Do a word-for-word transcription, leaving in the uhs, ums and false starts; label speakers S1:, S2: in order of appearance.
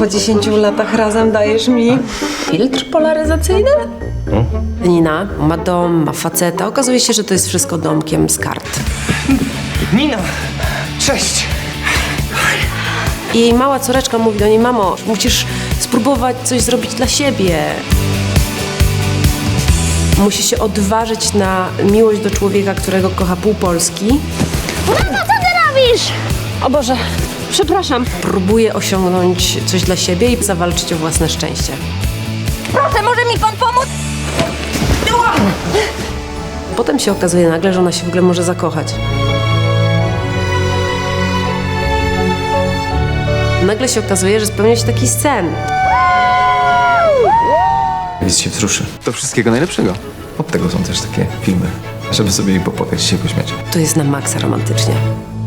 S1: po dziesięciu latach razem dajesz mi filtr polaryzacyjny?
S2: Hmm?
S1: Nina ma dom, ma faceta. Okazuje się, że to jest wszystko domkiem z kart.
S2: Nina! Cześć!
S1: I jej mała córeczka mówi do niej: mamo, musisz spróbować coś zrobić dla siebie. Musi się odważyć na miłość do człowieka, którego kocha pół Polski.
S3: Mamo, co ty robisz?
S1: O Boże, przepraszam. Próbuje osiągnąć coś dla siebie i zawalczyć o własne szczęście.
S3: Proszę, może mi pan pomóc?
S1: Potem się okazuje nagle, że ona się w ogóle może zakochać. Nagle się okazuje, że spełnia się taki sen.
S2: Widz się wzruszy. To wszystkiego najlepszego. Od tego są też takie filmy, żeby sobie popłakać i się pośmiać.
S1: To jest na maksa romantycznie.